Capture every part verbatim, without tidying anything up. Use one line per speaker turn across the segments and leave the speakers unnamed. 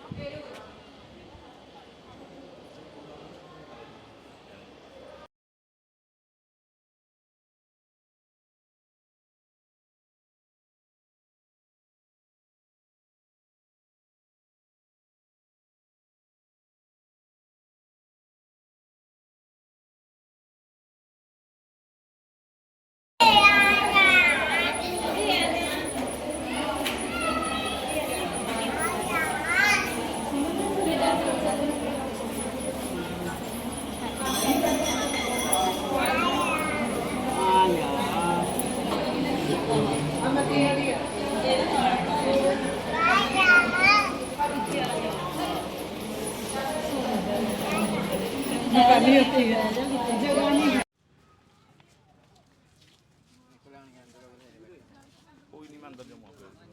कोई नहीं, मैं अंदर जाऊँगा।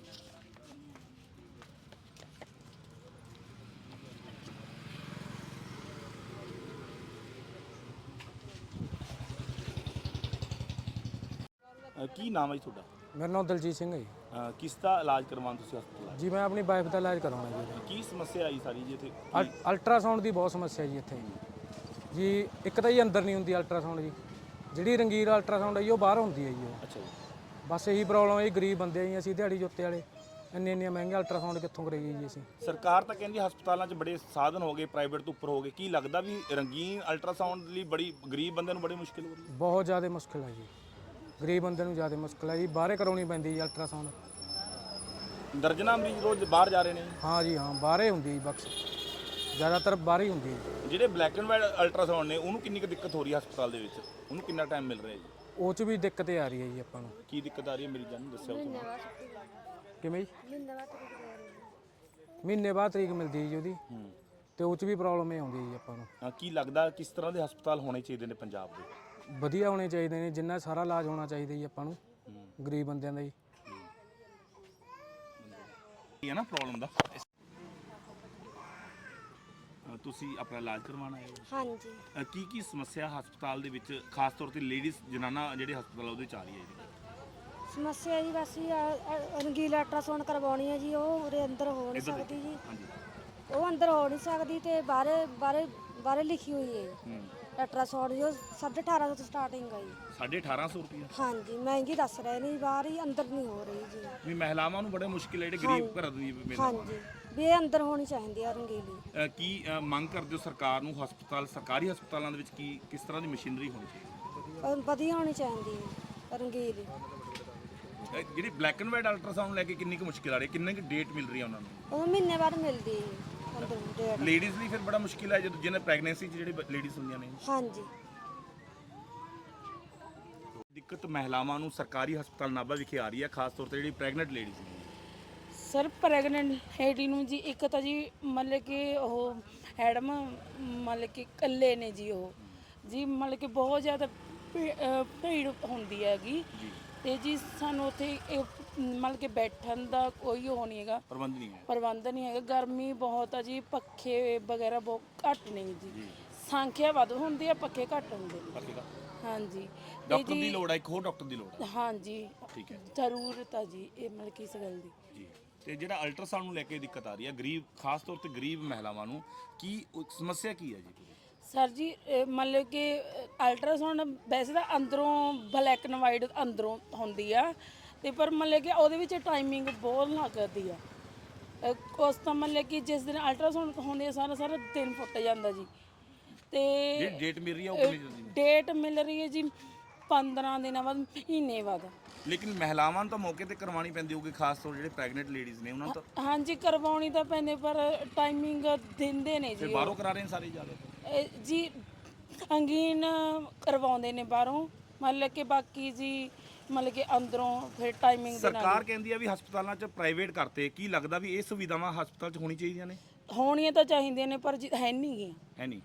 ਕੀ ਨਾਮ ਹੈ ਜੀ ਤੁਹਾਡਾ?
ਮੇਰਾ ਨਾਮ ਦਲਜੀਤ ਸਿੰਘ ਹੈ ਜੀ।
ਅਹ ਕਿਸ ਦਾ ਇਲਾਜ ਕਰਵਾਉਣ ਤੁਸੀਂ ਹਸਪਤਾਲ?
ਜੀ ਮੈਂ ਆਪਣੀ ਵਾਈਫ ਦਾ ਇਲਾਜ ਕਰਵਾਉਣਾ ਜੀ।
ਕੀ ਸਮੱਸਿਆ ਆਈ ਸਾਰੀ ਜੀ ਇੱਥੇ?
ਅਲ- ਅਲਟਰਾਸਾਊਂਡ ਦੀ ਬਹੁਤ ਸਮੱਸਿਆ ਜੀ ਇੱਥੇ ਜੀ। ਇੱਕ ਤਾਂ ਜੀ ਅੰਦਰ ਨਹੀਂ ਹੁੰਦੀ ਅਲਟਰਾਸਾਊਂਡ ਜੀ, ਜਿਹੜੀ ਰੰਗੀਰ ਅਲਟਰਾਸਾਊਂਡ ਹੈ ਜੀ ਉਹ ਬਾਹਰ ਹੁੰਦੀ ਹੈ ਜੀ ਉਹ।
ਅੱਛਾ ਜੀ।
ਬਸ ਇਹੀ ਪ੍ਰੋਬਲਮ ਹੈ ਜੀ, ਗਰੀਬ ਬੰਦੇ ਆ ਜੀ ਅਸੀਂ, ਦਿਹਾੜੀ ਜੋਤੇ ਵਾਲੇ, ਇੰਨੇ ਇੰਨੇ ਮਹਿੰਗੇ ਅਲਟਰਾਸਾਊਂਡ ਕਿੱਥੋਂ ਕਰਾਈਏ ਜੀ ਅਸੀਂ।
ਸਰਕਾਰ ਤਾਂ ਕਹਿੰਦੀ ਹਸਪਤਾਲਾਂ 'ਚ ਬੜੇ ਸਾਧਨ ਹੋ ਗਏ, ਪ੍ਰਾਈਵੇਟ ਤੋਂ ਉੱਪਰ ਹੋ ਗਏ। ਕੀ ਲੱਗਦਾ ਵੀ ਰੰਗੀਨ ਅਲਟਰਾਸਾਊਂਡ ਲਈ ਬੜੀ ਗਰੀਬ ਬੰਦੇ ਨੂੰ ਬੜੀ ਮੁਸ਼ਕਿਲ ਹੋ ਰਹੀ ਹੈ?
ਬਹੁਤ ਜ਼ਿਆਦਾ ਮੁਸ਼ਕਿਲ ਹੈ ਜੀ, ਗਰੀਬ ਬੰਦੇ ਨੂੰ ਜ਼ਿਆਦਾ ਮੁਸ਼ਕਿਲ ਹੈ ਜੀ। ਬਾਹਰੇ ਕਰਾਉਣੀ ਪੈਂਦੀ ਜੀ ਅਲਟਰਾਸਾਊਂਡ।
ਦਰਜਨਾਂ ਮਰੀਜ਼ ਰੋਜ਼ ਬਾਹਰ ਜਾ ਰਹੇ ਨੇ ਜੀ।
ਹਾਂ ਜੀ ਹਾਂ, ਬਾਹਰੇ ਹੁੰਦੀ ਹੈ ਜੀ, ਬਕਸ ਜ਼ਿਆਦਾਤਰ ਬਾਹਰ ਹੀ ਹੁੰਦੀ ਹੈ ਜੀ।
ਜਿਹੜੇ ਬਲੈਕ ਐਂਡ ਵਾਈਟ ਅਲਟਰਾਸਾਊਂਡ ਨੇ ਉਹਨੂੰ ਕਿੰਨੀ ਕੁ ਦਿੱਕਤ ਹੋ ਰਹੀ ਹੈ ਹਸਪਤਾਲ ਦੇ ਵਿੱਚ? ਉਹਨੂੰ ਕਿੰਨਾ ਟਾਈਮ ਮਿਲ ਰਿਹਾ ਜੀ?
ਉਹ 'ਚ ਵੀ ਦਿੱਕਤ ਆ ਰਹੀ ਹੈ ਜੀ ਆਪਾਂ ਨੂੰ।
ਕੀ ਦਿੱਕਤ ਆ ਰਹੀ ਹੈ ਮਰੀਜ਼ਾਂ ਨੂੰ ਦੱਸਿਓ ਤੁਸੀਂ।
ਕਿਵੇਂ ਜੀ? ਮਹੀਨੇ ਬਾਅਦ ਤਰੀਕ ਮਿਲਦੀ ਹੈ ਜੀ ਉਹਦੀ, ਤੇ ਉਹ 'ਚ ਵੀ ਪ੍ਰੋਬਲਮ ਇਹ ਆਉਂਦੀ ਹੈ ਜੀ ਆਪਾਂ ਨੂੰ।
ਹਾਂ, ਕੀ ਲੱਗਦਾ ਕਿਸ ਤਰ੍ਹਾਂ ਦੇ ਹਸਪਤਾਲ ਹੋਣੇ ਚਾਹੀਦੇ ਨੇ ਪੰਜਾਬ ਦੇ?
ਵਧੀਆ ਹੋਣੇ ਚਾਹੀਦੇ ਨੇ, ਜਿੰਨਾ ਸਾਰਾ ਇਲਾਜ ਹੋਣਾ ਚਾਹੀਦਾ ਜੀ ਆਪਾਂ ਨੂੰ, ਗਰੀਬ ਬੰਦਿਆਂ ਦਾ ਜੀ।
ਇਹ ਹੈ ਨਾ ਪ੍ਰੋਬਲਮ ਦਾ। ਤੁਸੀਂ ਆਪਣਾ ਇਲਾਜ ਕਰਵਾਉਣਾ ਹੈ?
ਹਾਂਜੀ।
ਅ, ਕੀ ਕੀ ਸਮੱਸਿਆ ਹਸਪਤਾਲ ਦੇ ਵਿੱਚ ਖਾਸ ਤੌਰ ਤੇ ਲੇਡੀਜ਼ ਜਨਾਨਾ ਜਿਹੜੇ ਹਸਪਤਾਲ ਉਹਦੇ ਚ ਆ ਰਹੀ ਹੈ ਜੀ?
ਸਮੱਸਿਆ ਜੀ ਬਸ ਜੀ ਰੰਗੀਲਾ ਅਲਟਰਾਸਾਊਂਡ ਕਰਵਾਉਣੀ ਹੈ ਜੀ, ਉਹ ਉਰੇ ਅੰਦਰ ਹੋ ਨਹੀਂ ਸਕਦੀ ਜੀ।
ਹਾਂਜੀ।
ਉਹ ਅੰਦਰ ਹੋ ਨਹੀਂ ਸਕਦੀ ਤੇ ਬਾਹਰੇ ਬਾਹਰੇ ਬਾਹਰੇ ਲਿਖੀ ਹੋਈ ਹੈ
ਹੂੰ।
ਅਲਟਰਾਸਾਊਂਡ ਜੋ ਸਾਢੇ ਅਠਾਰਾਂ ਸੌ ਤੋਂ ਸਟਾਰਟਿੰਗ ਹੈ ਜੀ।
ਸਾਢੇ ਅਠਾਰਾਂ ਸੌ ਰੁਪਏ?
ਹਾਂਜੀ, ਮਹਿੰਗੀ ਦੱਸ ਰਹੇ ਨੇ, ਬਾਹਰ ਹੀ ਅੰਦਰ ਨਹੀਂ ਹੋ ਰਹੀ ਜੀ।
ਵੀ ਮਹਿਲਾਵਾਂ ਨੂੰ ਬੜੇ ਮੁਸ਼ਕਿਲ ਹੈ ਜਿਹੜੇ ਗਰੀਬ ਘਰ ਦੀ ਮਹਿਲਾਵਾਂ।
ਹਾਂਜੀ, ਵੀ ਇਹ ਅੰਦਰ ਹੋਣੀ ਚਾਹੀਦੀ ਆ ਰੰਗੀਲੀ।
ਅ, ਕੀ ਅ, ਮੰਗ ਕਰਦੇ ਹੋ ਸਰਕਾਰ ਨੂੰ? ਹਸਪਤਾਲ ਸਰਕਾਰੀ ਹਸਪਤਾਲਾਂ ਦੇ ਵਿੱਚ ਕੀ ਕਿਸ ਤਰ੍ਹਾਂ ਦੀ ਮਸ਼ੀਨਰੀ ਹੋਣੀ ਚਾਹੀਦੀ?
ਅਹ ਵਧੀਆ ਹੋਣੀ ਚਾਹੀਦੀ ਹੈ ਰੰਗੀਲੀ।
ਅ, ਜਿਹੜੀ ਬਲੈਕ ਐਂਡ ਵਾਈਟ ਅਲਟਰਾਸਾਊਂਡ ਲੈ ਕੇ ਕਿੰਨੀ ਕੁ ਮੁਸ਼ਕਿਲ ਆ ਰਹੀ ਹੈ? ਕਿੰਨੀ ਕੁ ਡੇਟ ਮਿਲ ਰਹੀ ਹੈ ਉਹਨਾਂ ਨੂੰ?
ਉਹ ਮਹੀਨੇ ਬਾਅਦ ਮਿਲਦੀ ਹੈ ਅੰਦਰ ਡੇਟ।
ਲੇਡੀਜ਼ ਲਈ ਫਿਰ ਬੜਾ ਮੁਸ਼ਕਿਲ ਹੈ ਜਦੋਂ ਜਿਹਨੇ ਪ੍ਰੈਗਨੈਂਸੀ 'ਚ ਜਿਹੜੇ ਲੇਡੀਜ਼ ਹੁੰਦੀਆਂ ਨੇ।
ਹਾਂਜੀ।
ਦਿੱਕਤ ਮਹਿਲਾਵਾਂ ਨੂੰ ਸਰਕਾਰੀ ਹਸਪਤਾਲ ਨਾਭਾ ਵਿਖੇ ਆ ਰਹੀ ਹੈ, ਖਾਸ ਤੌਰ ਤੇ ਜਿਹੜੀ ਪ੍ਰੈਗਨੈਂਟ ਲੇਡੀਜ਼ ਨੇ।
ਸਰ ਪ੍ਰੈਗਨੈਂਟ ਲੇਡੀ ਨੂੰ ਜੀ ਇੱਕ ਤਾਂ ਜੀ ਮਤਲਬ ਕਿ ਉਹ ਐਡਮ ਮਤਲਬ ਕਿ ਇਕੱਲੇ ਨੇ ਜੀ ਉਹ ਜੀ, ਮਤਲਬ ਕਿ ਬਹੁਤ ਜ਼ਿਆਦਾ ਭੀ- ਅਹ ਭੀੜ ਹੁੰਦੀ ਹੈਗੀ ਤੇ ਜੀ ਸਾਨੂੰ ਉੱਥੇ ਇਹ ਮਤਲਬ ਕਿ ਬੈਠਣ ਦਾ ਕੋਈ ਉਹ ਨਹੀਂ ਹੈਗਾ,
ਪ੍ਰਬੰਧ ਨਹੀਂ ਹੈ।
ਪ੍ਰਬੰਧ ਨਹੀਂ ਹੈਗਾ। ਗਰਮੀ ਬਹੁਤ ਆ ਜੀ, ਪੱਖੇ ਵਗੈਰਾ ਬਹੁਤ ਘੱਟ ਨੇ ਜੀ। ਸੰਖਿਆ ਵੱਧ ਹੁੰਦੀ ਆ, ਪੱਖੇ ਘੱਟ ਹੁੰਦੇ ਨੇ।
ਪੱਕੇਗਾ।
ਹਾਂਜੀ।
ਡਾਕਟਰ ਦੀ ਲੋੜ ਹੈ, ਇੱਕ ਹੋਰ ਡਾਕਟਰ ਦੀ ਲੋੜ ਹੈ।
ਹਾਂਜੀ,
ਠੀਕ ਹੈ।
ਜ਼ਰੂਰਤ ਆ ਜੀ ਇਹ ਮਤਲਬ ਕਿ ਇਸ ਗੱਲ ਦੀ
ਜੀ। ਤੇ ਜਿਹੜਾ ਅਲਟਰਾਸਾਊਂਡ ਨੂੰ ਲੈ ਕੇ ਦਿੱਕਤ ਆ ਰਹੀ ਹੈ ਗਰੀਬ, ਖਾਸ ਤੌਰ ਤੇ ਗਰੀਬ ਮਹਿਲਾਵਾਂ ਨੂੰ, ਕੀ ਉਹ ਸਮੱਸਿਆ ਕੀ ਹੈ ਜੀ?
ਸਰ ਜੀ ਇਹ ਮਤਲਬ ਕਿ ਅਲਟਰਾਸਾਊਂਡ ਵੈਸੇ ਤਾਂ ਅੰਦਰੋਂ ਬਲੈਕ ਐਂਡ ਵਾਈਟ ਅੰਦਰੋਂ ਹੁੰਦੀ ਆ, ਤੇ ਪਰ ਮਤਲਬ ਕਿ ਉਹਦੇ ਵਿੱਚ ਟਾਈਮਿੰਗ ਬਹੁਤ ਲੱਗਦੀ ਆ। ਅਹ ਉਸ ਤਾਂ ਮਤਲਬ ਕਿ ਜਿਸ ਦਿਨ ਅਲਟਰਾਸਾਊਂਡ ਹੁੰਦੀ ਆ ਸਾਰਾ ਸਾਰਾ ਦਿਨ ਫੁੱਟ ਜਾਂਦਾ ਜੀ। ਤੇ
ਜਿਹੜੀ ਡੇਟ ਮਿਲ ਰਹੀ ਹੈ ਉਹ ਕਿੰਨੀ ਜਲਦੀ?
ਡੇਟ ਮਿਲ ਰਹੀ ਹੈ ਜੀ ਪੰਦਰਾਂ ਦਿਨਾਂ ਬਾਅਦ, ਮਹੀਨੇ ਬਾਅਦ।
ਲੇਕਿਨ ਮਹਿਲਾਵਾਂ ਨੂੰ ਤਾਂ ਮੌਕੇ ਤੇ ਕਰਵਾਉਣੀ ਪੈਂਦੀ ਹੋਊਗੀ, ਖਾਸ ਤੌਰ ਜਿਹੜੇ ਪ੍ਰੈਗਨੈਂਟ ਲੇਡੀਜ਼ ਨੇ ਉਹਨਾਂ ਨੂੰ ਤਾਂ।
ਹਾਂਜੀ ਕਰਵਾਉਣੀ ਤਾਂ ਪੈਂਦੇ, ਪਰ ਟਾਈਮਿੰਗ ਦਿੰਦੇ ਨੇ
ਫਿਰ
ਜੀ
ਬਾਹਰੋਂ ਕਰਾ ਰਹੇ ਨੇ ਸਾਰੇ ਜ਼ਿਆਦਾ
ਇਹ ਜੀ। ਅੰਗੀਨ ਕਰਵਾਉਂਦੇ ਨੇ ਬਾਹਰੋਂ, ਮਤਲਬ ਕਿ ਬਾਕੀ ਜੀ ਮਤਲਬ ਕਿ ਅੰਦਰੋਂ ਫਿਰ ਟਾਈਮਿੰਗ ਦੇ ਨਾਲ।
ਸਰਕਾਰ ਕਹਿੰਦੀ ਆ ਵੀ ਹਸਪਤਾਲਾਂ 'ਚ ਪ੍ਰਾਈਵੇਟ ਕਰਤੇ, ਕੀ ਲੱਗਦਾ ਵੀ ਇਹ ਸੁਵਿਧਾਵਾਂ ਹਸਪਤਾਲ 'ਚ ਹੋਣੀ ਚਾਹੀਦੀਆਂ ਨੇ?
ਹੋਣੀਆਂ ਤਾਂ ਚਾਹੀਦੀਆਂ ਨੇ, ਪਰ ਜੀ ਹੈ ਨਹੀਂ ਗੀਆਂ।
ਹੈ ਨਹੀਂ।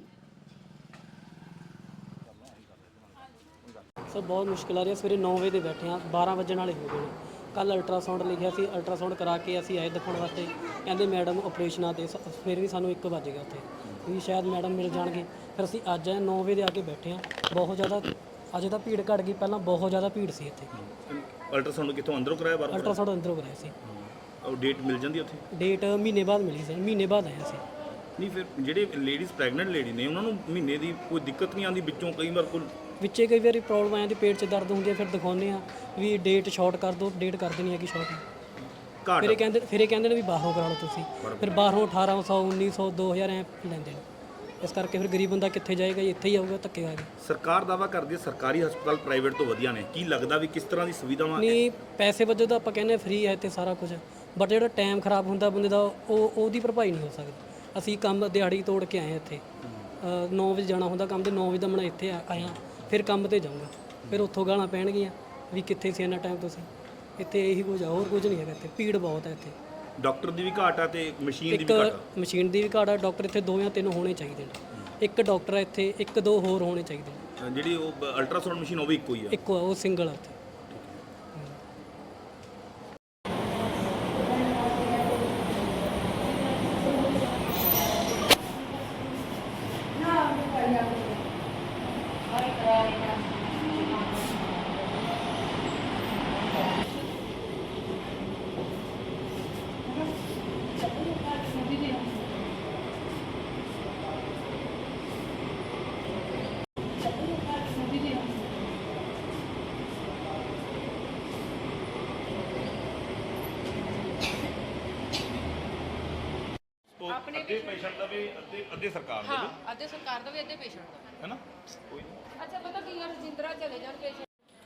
ਸਰ ਬਹੁਤ ਮੁਸ਼ਕਿਲ ਆ ਰਹੀ ਹੈ। ਸਵੇਰੇ ਨੌ ਵਜੇ ਦੇ ਬੈਠੇ ਆ, ਬਾਰਾਂ ਵਜਣ ਵਾਲੇ ਹੋ ਗਏ ਨੇ। ਕੱਲ ਅਲਟਰਾਸਾਊਂਡ ਲਿਖਿਆ ਸੀ, ਅਲਟਰਾਸਾਊਂਡ ਕਰਾ ਕੇ ਅਸੀਂ ਆਏ ਦਿਖਾਉਣ ਵਾਸਤੇ, ਕਹਿੰਦੇ ਮੈਡਮ ਆਪਰੇਸ਼ਨ ਆ, ਤੇ ਫਿਰ ਵੀ ਸਾਨੂੰ ਇੱਕ ਵੱਜ ਗਿਆ ਉੱਥੇ ਵੀ ਸ਼ਾਇਦ ਮੈਡਮ ਮਿਲ ਜਾਣਗੇ। ਫਿਰ ਅਸੀਂ ਅੱਜ ਆਏ ਨੌ ਵਜੇ ਦੇ ਆ ਕੇ ਬੈਠੇ ਆ। ਬਹੁਤ ਜ਼ਿਆਦਾ ਅੱਜ ਤਾਂ ਭੀੜ ਘਟ ਗਈ, ਪਹਿਲਾਂ ਬਹੁਤ ਜ਼ਿਆਦਾ ਭੀੜ ਸੀ ਇੱਥੇ।
ਅਲਟਰਾਸਾਊਂਡ ਕਿੱਥੋਂ ਅੰਦਰੋਂ ਕਰਾਇਆ ਬਾਹਰੋਂ?
ਅਲਟਰਾਸਾਊਂਡ ਅੰਦਰੋਂ ਕਰਾਇਆ ਸੀ।
ਉਹ ਡੇਟ ਮਿਲ ਜਾਂਦੀ ਉੱਥੇ?
ਡੇਟ ਮਹੀਨੇ ਬਾਅਦ ਮਿਲੀ ਸੀ, ਮਹੀਨੇ ਬਾਅਦ ਆਇਆ ਸੀ।
ਨਹੀਂ ਫਿਰ ਜਿਹੜੇ ਲੇਡੀਜ਼ ਪ੍ਰੈਗਨੈਂਟ ਲੇਡੀ ਨੇ ਉਹਨਾਂ ਨੂੰ ਮਹੀਨੇ ਦੀ ਕੋਈ ਦਿੱਕਤ ਨਹੀਂ ਆਉਂਦੀ ਵਿੱਚੋਂ ਕਈ ਵਾਰ ਕੋਈ
ਵਿੱਚੇ ਕਈ ਵਾਰੀ ਪ੍ਰੋਬਲਮ ਆ ਜਾਂਦੀ, ਪੇਟ 'ਚ ਦਰਦ ਹੁੰਦੀ ਹੈ, ਫਿਰ ਦਿਖਾਉਂਦੇ ਆ ਵੀ ਡੇਟ ਸ਼ਾਰਟ ਕਰ ਦਿਓ, ਡੇਟ ਕਰ ਦੇਣੀ ਹੈਗੀ ਸ਼ਾਰਟ।
ਘਾਟ?
ਫਿਰ ਇਹ ਕਹਿੰਦੇ ਫਿਰ ਇਹ ਕਹਿੰਦੇ ਨੇ ਵੀ ਬਾਹਰੋਂ ਕਰਾ ਲਓ ਤੁਸੀਂ, ਫਿਰ ਬਾਹਰੋਂ ਅਠਾਰਾਂ ਸੌ ਉੱਨੀ ਸੌ ਦੋ ਹਜ਼ਾਰ ਐ ਲੈਂਦੇ ਨੇ। ਇਸ ਕਰਕੇ ਫਿਰ ਗਰੀਬ ਬੰਦਾ ਕਿੱਥੇ ਜਾਏਗਾ ਜੀ, ਇੱਥੇ ਹੀ ਆਊਗਾ ਧੱਕੇ ਖਾ ਕੇ।
ਸਰਕਾਰ ਦਾਵਾ ਕਰਦੀ ਹੈ ਸਰਕਾਰੀ ਹਸਪਤਾਲ ਪ੍ਰਾਈਵੇਟ ਤੋਂ ਵਧੀਆ ਨੇ, ਕੀ ਲੱਗਦਾ ਵੀ ਕਿਸ ਤਰ੍ਹਾਂ ਦੀ ਸੁਵਿਧਾਵਾਂ?
ਨਹੀਂ, ਪੈਸੇ ਵਜੋਂ ਤਾਂ ਆਪਾਂ ਕਹਿੰਦੇ ਫ੍ਰੀ ਹੈ ਤੇ ਸਾਰਾ ਕੁਝ, ਬਟ ਜਿਹੜਾ ਟਾਈਮ ਖਰਾਬ ਹੁੰਦਾ ਬੰਦੇ ਦਾ ਉਹ ਉਹਦੀ ਭਰਪਾਈ ਨਹੀਂ ਹੋ ਸਕਦੀ। ਅਸੀਂ ਕੰਮ ਦਿਹਾੜੀ ਤੋੜ ਕੇ ਆਏ ਇੱਥੇ, ਨੌ ਵਜੇ ਜਾਣਾ ਹੁੰਦਾ ਕੰਮ ਤੇ, ਨੌ ਵਜੇ ਦਾ ਮੈਂ ਇੱਥੇ ਆ- ਆਇਆ, ਫਿਰ ਕੰਮ ਤੇ ਜਾਊਂਗਾ, ਫਿਰ ਉੱਥੋਂ ਗਾਲਾਂ ਪੈਣਗੀਆਂ ਵੀ ਕਿੱਥੇ ਸੀ ਇੰਨਾ ਟਾਈਮ ਤੁਸੀਂ। ਇੱਥੇ ਇਹੀ ਕੁਝ ਆ, ਹੋਰ ਕੁਝ ਨਹੀਂ ਹੈਗਾ ਇੱਥੇ, ਭੀੜ ਬਹੁਤ ਹੈ ਇੱਥੇ।
ਡਾਕਟਰ ਦੀ ਵੀ ਘਾਟ ਆ ਤੇ ਮਸ਼ੀਨ ਦੀ
ਇੱਕ
ਵੀ ਘਾਟ ਆ।
ਮਸ਼ੀਨ ਦੀ ਵੀ ਘਾਟ ਆ, ਡਾਕਟਰ ਇੱਥੇ ਦੋ ਜਾਂ ਤਿੰਨ ਹੋਣੇ ਚਾਹੀਦੇ ਨੇ। ਇੱਕ ਡਾਕਟਰ ਹੈ ਇੱਥੇ, ਇੱਕ ਦੋ ਹੋਰ ਹੋਣੇ ਚਾਹੀਦੇ ਨੇ।
ਜਿਹੜੀ ਉਹ ਅਲਟਰਾਸਾਊਂਡ ਮਸ਼ੀਨ ਉਹ ਵੀ ਇੱਕੋ ਹੀ ਆ?
ਇੱਕੋ ਆ, ਉਹ ਸਿੰਗਲ ਆ ਉੱਥੇ।
ਅੱਧੇ ਪੇਸ਼ੈਂਟ ਦਾ ਵੀ ਅੱਧੇ ਅੱਧੇ ਸਰਕਾਰ ਦਾ ਵੀ
ਹਾਂ, ਅੱਧੇ ਸਰਕਾਰ ਦਾ ਵੀ ਅੱਧੇ ਪੇਸ਼ੈਂਟ ਦਾ।
ਹੈ ਨਾ? ਕੋਈ ਨਹੀਂ।
ਅੱਛਾ, ਪਤਾ ਕੀ ਯਾਰ, ਜਿੰਦਰਾ ਚਲੇ ਜਾਣ ਪੇਸ਼ੈਂਟ।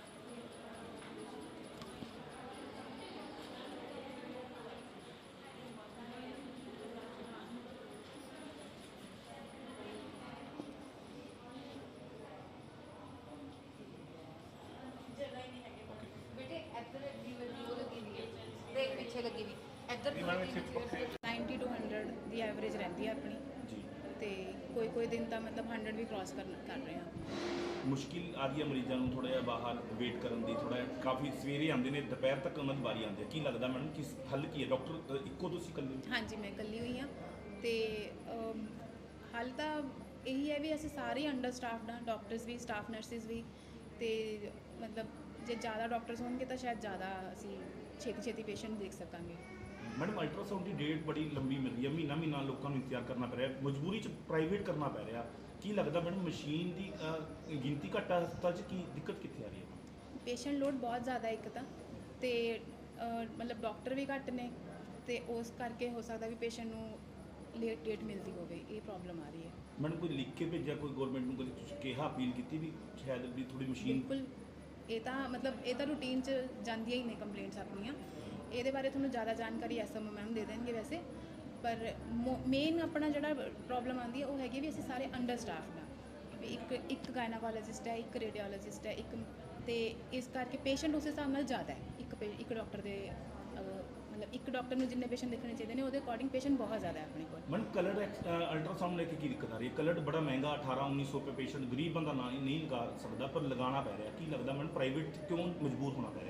ਬੇਟੇ ਇੱਧਰ ਦੀ ਲੱਗੀ ਉਹ ਲੱਗੀ ਵੀ ਹੈ, ਦੇਖ ਪਿੱਛੇ ਲੱਗੀ ਵੀ ਇੱਧਰ ਦੀ
ਨਾਈਨਟੀ ਟੂ ਹੰਡਰਡ ਦੀ ਐਵਰੇਜ ਰਹਿੰਦੀ ਹੈ ਆਪਣੀ
ਜੀ।
ਤੇ ਕੋਈ ਕੋਈ ਦਿਨ ਤਾਂ ਮਤਲਬ ਹੰਡਰਡ ਵੀ ਕ੍ਰਾਸ ਕਰ ਕਰ ਰਹੇ ਹਾਂ।
ਮੁਸ਼ਕਿਲ ਆ ਰਹੀ ਹੈ ਮਰੀਜ਼ਾਂ ਨੂੰ ਥੋੜਾ ਜਿਹਾ ਬਾਹਰ ਵੇਟ ਕਰਨ ਦੀ, ਥੋੜਾ ਜਿਹਾ ਕਾਫੀ ਸਵੇਰੇ ਆਉਂਦੇ ਨੇ, ਦੁਪਹਿਰ ਤੱਕ ਉਹਨਾਂ ਦੀ ਵਾਰੀ ਆਉਂਦੀ ਹੈ। ਕੀ ਲੱਗਦਾ ਮੈਡਮ ਕਿਸ ਹੱਲ ਕੀ ਹੈ? ਡਾਕਟਰ ਇੱਕੋ ਤੁਸੀਂ ਇਕੱਲੇ?
ਹਾਂਜੀ, ਮੈਂ ਇਕੱਲੀ ਹੋਈ ਹਾਂ ਤੇ ਅਮ, ਹੱਲ ਤਾਂ ਇਹੀ ਹੈ ਵੀ ਅਸੀਂ ਸਾਰੇ ਅੰਡਰ ਸਟਾਫਡ ਹਾਂ, ਡਾਕਟਰਸ ਵੀ, ਸਟਾਫ ਨਰਸਿਸ ਵੀ। ਤੇ ਮਤਲਬ ਜੇ ਜ਼ਿਆਦਾ ਡਾਕਟਰਸ ਹੋਣਗੇ ਤਾਂ ਸ਼ਾਇਦ ਜ਼ਿਆਦਾ ਅਸੀਂ ਛੇਤੀ ਛੇਤੀ ਪੇਸ਼ੈਂਟ ਦੇਖ ਸਕਾਂਗੇ।
ਮੈਡਮ ਅਲਟਰਾਸਾਊਂਡ ਦੀ ਡੇਟ ਬੜੀ ਲੰਬੀ ਮਿਲ ਰਹੀ ਹੈ, ਮਹੀਨਾ ਮਹੀਨਾ ਲੋਕਾਂ ਨੂੰ ਇੰਤਜ਼ਾਰ ਕਰਨਾ ਪੈ ਰਿਹਾ, ਮਜਬੂਰੀ 'ਚ ਪ੍ਰਾਈਵੇਟ ਕਰਨਾ ਪੈ ਰਿਹਾ। ਕੀ ਲੱਗਦਾ ਮੈਡਮ ਮਸ਼ੀਨ ਦੀ ਅ, ਗਿਣਤੀ ਘੱਟ ਆ ਹਸਪਤਾਲ 'ਚ, ਕੀ ਦਿੱਕਤ ਕਿੱਥੇ ਆ ਰਹੀ ਹੈ?
ਪੇਸ਼ੈਂਟ ਲੋਡ ਬਹੁਤ ਜ਼ਿਆਦਾ ਇੱਕ ਤਾਂ, ਤੇ ਅ, ਮਤਲਬ ਡਾਕਟਰ ਵੀ ਘੱਟ ਨੇ, ਤੇ ਉਸ ਕਰਕੇ ਹੋ ਸਕਦਾ ਵੀ ਪੇਸ਼ੈਂਟ ਨੂੰ ਲੇਟ ਡੇਟ ਮਿਲਦੀ ਹੋਵੇ, ਇਹ ਪ੍ਰੋਬਲਮ ਆ ਰਹੀ ਹੈ।
ਮੈਡਮ ਕੋਈ ਲਿਖ ਕੇ ਭੇਜਿਆ ਕੋਈ ਗਵਰਨਮੈਂਟ ਨੂੰ, ਕਦੇ ਤੁਸੀਂ ਕਿਹਾ, ਅਪੀਲ ਕੀਤੀ ਵੀ ਸ਼ਾਇਦ ਵੀ ਥੋੜੀ ਮਸ਼ੀਨ?
ਬਿਲਕੁਲ, ਇਹ ਤਾਂ ਮਤਲਬ ਇਹ ਤਾਂ ਰੂਟੀਨ 'ਚ ਜਾਂਦੀਆਂ ਹੀ ਨੇ ਕੰਪਲੇਂਟਸ ਆਪਣੀਆਂ। ਇਹਦੇ ਬਾਰੇ ਤੁਹਾਨੂੰ ਜ਼ਿਆਦਾ ਜਾਣਕਾਰੀ ਐਸਐਮਓ ਮੈਮ ਦੇ ਦੇਣਗੇ ਵੈਸੇ, ਪਰ ਮੇਨ ਆਪਣਾ ਜਿਹੜਾ ਪ੍ਰੋਬਲਮ ਆਉਂਦੀ ਹੈ ਉਹ ਹੈਗੀ ਵੀ ਅਸੀਂ ਸਾਰੇ ਅੰਡਰ ਸਟਾਫਡ ਹਾਂ। ਵੀ ਇੱਕ ਇੱਕ ਗਾਇਨਾਕੋਲੋਜਿਸਟ ਹੈ, ਇੱਕ ਰੇਡੀਓਲੋਜਿਸਟ ਹੈ, ਇੱਕ, ਤੇ ਇਸ ਕਰਕੇ ਪੇਸ਼ੈਂਟ ਉਸ ਹਿਸਾਬ ਨਾਲ ਜ਼ਿਆਦਾ ਹੈ। ਇੱਕ ਪੇ ਇੱਕ ਡਾਕਟਰ ਦੇ ਮਤਲਬ ਇੱਕ ਡਾਕਟਰ ਨੂੰ ਜਿੰਨੇ ਪੇਸ਼ੈਂਟ ਦੇਖਣੇ ਚਾਹੀਦੇ ਨੇ ਉਹਦੇ ਅਕੋਰਡਿੰਗ ਪੇਸ਼ੈਂਟ ਬਹੁਤ ਜ਼ਿਆਦਾ ਹੈ ਆਪਣੇ ਕੋਲ।
ਮੈਡਮ ਕਲਰਡ ਅਲਟਰਾਸਾਊਂਡ ਲੈ ਕੇ ਕੀ ਦਿੱਕਤ ਆ ਰਹੀ ਹੈ? ਕਲਰਡ ਬੜਾ ਮਹਿੰਗਾ, ਅਠਾਰਾਂ ਉੱਨੀ ਸੌ ਰੁਪਏ ਪੇਸ਼ੈਂਟ ਗਰੀਬ ਬੰਦਾ ਨਾ ਨਹੀਂ ਲਗਾ ਸਕਦਾ, ਪਰ ਲਗਾਉਣਾ ਪੈ ਰਿਹਾ। ਕੀ ਲੱਗਦਾ ਮੈਡਮ ਪ੍ਰਾਈਵੇਟ ਕਿਉਂ ਮਜਬੂਰ ਹੋਣਾ ਪੈ ਰਿਹਾ?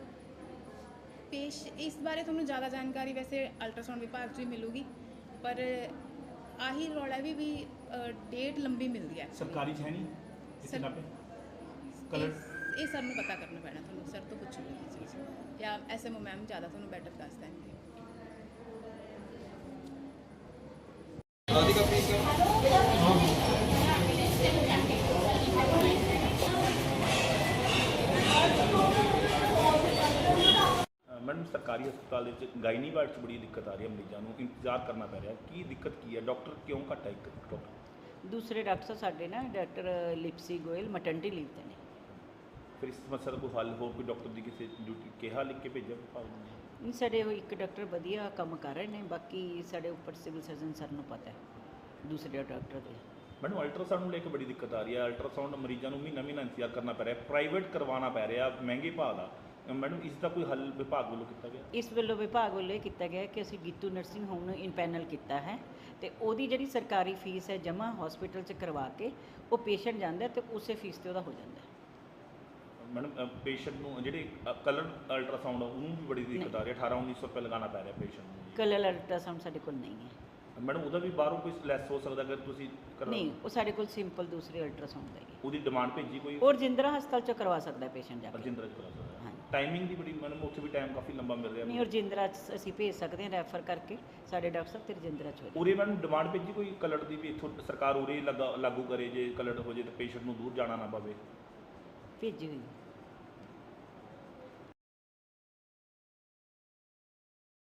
ਪੇਸ਼ ਇਸ ਬਾਰੇ ਤੁਹਾਨੂੰ ਜ਼ਿਆਦਾ ਜਾਣਕਾਰੀ ਵੈਸੇ ਅਲਟਰਾਸਾਊਂਡ ਵਿਭਾਗ 'ਚ ਵੀ ਮਿਲੂਗੀ, ਪਰ ਆਹੀ ਰੌਲਾ ਵੀ ਵੀ ਡੇਟ ਲੰਬੀ ਮਿਲਦੀ ਹੈ।
ਸਰਕਾਰੀ 'ਚ ਹੈ ਨਹੀਂ ਇੱਥੇ
ਸਰ-
ਨਾ ਪੇ ਕਲਰਡ?
ਇਹ ਸਰ ਨੂੰ ਪਤਾ ਕਰਨਾ ਪੈਣਾ, ਤੁਹਾਨੂੰ ਸਰ ਤੋਂ ਪੁੱਛੂਗੀ ਇਹ ਚੀਜ਼, ਜਾਂ ਐਸਐਮਓ ਮੈਮ ਜ਼ਿਆਦਾ ਤੁਹਾਨੂੰ ਬੈਟਰ ਦੱਸ ਦੇਣਗੇ।
ਮੈਡਮ ਸਰਕਾਰੀ ਹਸਪਤਾਲ ਦੇ ਵਿੱਚ ਗਾਇਨੀ ਵਾਰਡ 'ਚ ਬੜੀ ਦਿੱਕਤ ਆ ਰਹੀ ਹੈ, ਮਰੀਜ਼ਾਂ ਨੂੰ ਇੰਤਜ਼ਾਰ ਕਰਨਾ ਪੈ ਰਿਹਾ। ਕੀ ਦਿੱਕਤ ਕੀ ਹੈ? ਡਾਕਟਰ ਕਿਉਂ ਘੱਟ ਹੈ? ਇੱਕ ਡਾਕਟਰ
ਦੂਸਰੇ ਡਾਕਟਰ ਸਾਡੇ ਨਾ doctor Lipsy Goyal maternity leave ਤੇ ਨੇ।
ਫਿਰ ਇਸ ਸਮੱਸਿਆ ਦਾ ਕੋਈ ਹੱਲ, ਹੋਰ ਕੋਈ ਡਾਕਟਰ ਦੀ ਕਿਸੇ ਡਿਊਟੀ ਕਿਹਾ ਲਿਖ ਕੇ ਭੇਜਿਆ ਵਿਭਾਗ ਨੂੰ?
ਨਹੀਂ, ਸਾਡੇ ਉਹ ਇੱਕ ਡਾਕਟਰ ਵਧੀਆ ਕੰਮ ਕਰ ਰਹੇ ਨੇ, ਬਾਕੀ ਸਾਡੇ ਉੱਪਰ ਸਿਵਲ ਸਰਜਨ ਸਰ ਨੂੰ ਪਤਾ ਹੈ ਦੂਸਰੇ ਡਾਕਟਰ ਦੇ।
ਮੈਨੂੰ ਅਲਟਰਾਸਾਊਂਡ ਨੂੰ ਲੈ ਕੇ ਬੜੀ ਦਿੱਕਤ ਆ ਰਹੀ ਹੈ। ਅਲਟਰਾਸਾਊਂਡ ਮਰੀਜ਼ਾਂ ਨੂੰ ਮਹੀਨਾ ਮਹੀਨਾ ਇੰਤਜ਼ਾਰ ਕਰਨਾ ਪੈ ਰਿਹਾ, ਪ੍ਰਾਈਵੇਟ ਕਰਵਾਉਣਾ ਪੈ ਰਿਹਾ ਮਹਿੰਗੇ ਭਾਅ ਦਾ। ਮੈਡਮ ਇਸ ਦਾ ਕੋਈ ਹੱਲ ਵਿਭਾਗ ਵੱਲੋਂ ਕੀਤਾ ਗਿਆ?
ਇਸ ਵੱਲੋਂ ਵਿਭਾਗ ਵੱਲੋਂ ਇਹ ਕੀਤਾ ਗਿਆ ਕਿ ਅਸੀਂ ਗੀਤੂ ਨਰਸਿੰਗ ਹੋਮ ਨੂੰ ਇਨਪੈਨਲ ਕੀਤਾ ਹੈ, ਤੇ ਉਹਦੀ ਜਿਹੜੀ ਸਰਕਾਰੀ ਫੀਸ ਹੈ ਜਮ੍ਹਾਂ ਹਸਪੀਟਲ 'ਚ ਕਰਵਾ ਕੇ ਉਹ ਪੇਸ਼ੈਂਟ ਜਾਂਦਾ ਤੇ ਉਸੇ ਫੀਸ ਤੇ ਉਹਦਾ ਹੋ ਜਾਂਦਾ।
ਮੈਡਮ ਪੇਸ਼ੈਂਟ ਨੂੰ ਜਿਹੜੇ ਕਲਰ ਅਲਟਰਾਸਾਊਂਡ ਉਹਨੂੰ ਵੀ ਬੜੀ ਦਿੱਕਤ ਆ ਰਹੀ ਹੈ, ਅਠਾਰਾਂ ਉੱਨੀ ਸੌ ਰੁਪਏ ਲਗਾਉਣਾ ਪੈ ਰਿਹਾ ਪੇਸ਼ੈਂਟ ਨੂੰ।
ਕਲਰ ਅਲਟਰਾਸਾਊਂਡ ਸਾਡੇ ਕੋਲ ਨਹੀਂ ਹੈ
ਮੈਡਮ, ਉਹਦਾ ਵੀ ਬਾਹਰੋਂ ਕੋਈ ਲੈਸ ਹੋ ਸਕਦਾ ਅਗਰ ਤੁਸੀਂ ਕਰਵਾ?
ਨਹੀਂ, ਉਹ ਸਾਡੇ ਕੋਲ ਸਿੰਪਲ ਦੂਸਰੇ ਅਲਟਰਾਸਾਊਂਡ ਦਾ ਹੀ ਹੈ।
ਉਹਦੀ ਡਿਮਾਂਡ ਭੇਜੀ ਕੋਈ?
ਉਹ ਰਜਿੰਦਰਾ ਹਸਪਤਾਲ 'ਚ ਕਰਵਾ ਸਕਦਾ ਪੇਸ਼ੈਂਟ ਜਾ ਕੇ।
ਰਜਿੰਦਰਾ 'ਚ ਕਰਾ ਸਕਦਾ?
ਹਾਂਜੀ।
ਟਾਈਮਿੰਗ ਦੀ ਬੜੀ ਮੈਡਮ ਉੱਥੇ ਵੀ ਟਾਈਮ ਕਾਫੀ ਲੰਬਾ ਮਿਲ ਰਿਹਾ
ਨਹੀਂ ਰਜਿੰਦਰਾ 'ਚ ਅਸੀਂ ਭੇਜ ਸਕਦੇ ਹਾਂ ਰੈਫਰ ਕਰਕੇ, ਸਾਡੇ ਡਾਕਟਰ ਸਾਹਿਬ ਤੇ ਰਜਿੰਦਰਾ 'ਚ ਹੋ ਜਾਏ।
ਉਰੇ ਮੈਡਮ ਡਿਮਾਂਡ ਭੇਜੀ ਕੋਈ ਕਲਰ ਦੀ ਵੀ ਇੱਥੋਂ ਸਰਕਾਰ ਉਰੇ ਲਗਾ ਲਾਗੂ ਕਰੇ, ਜੇ ਕਲਰ ਹੋ ਜੇ ਤਾਂ ਪੇਸ਼ੈਂਟ ਨੂੰ ਦੂਰ ਜਾਣਾ ਨਾ ਪਵੇ।
ਭੇਜੀ ਹੋਈ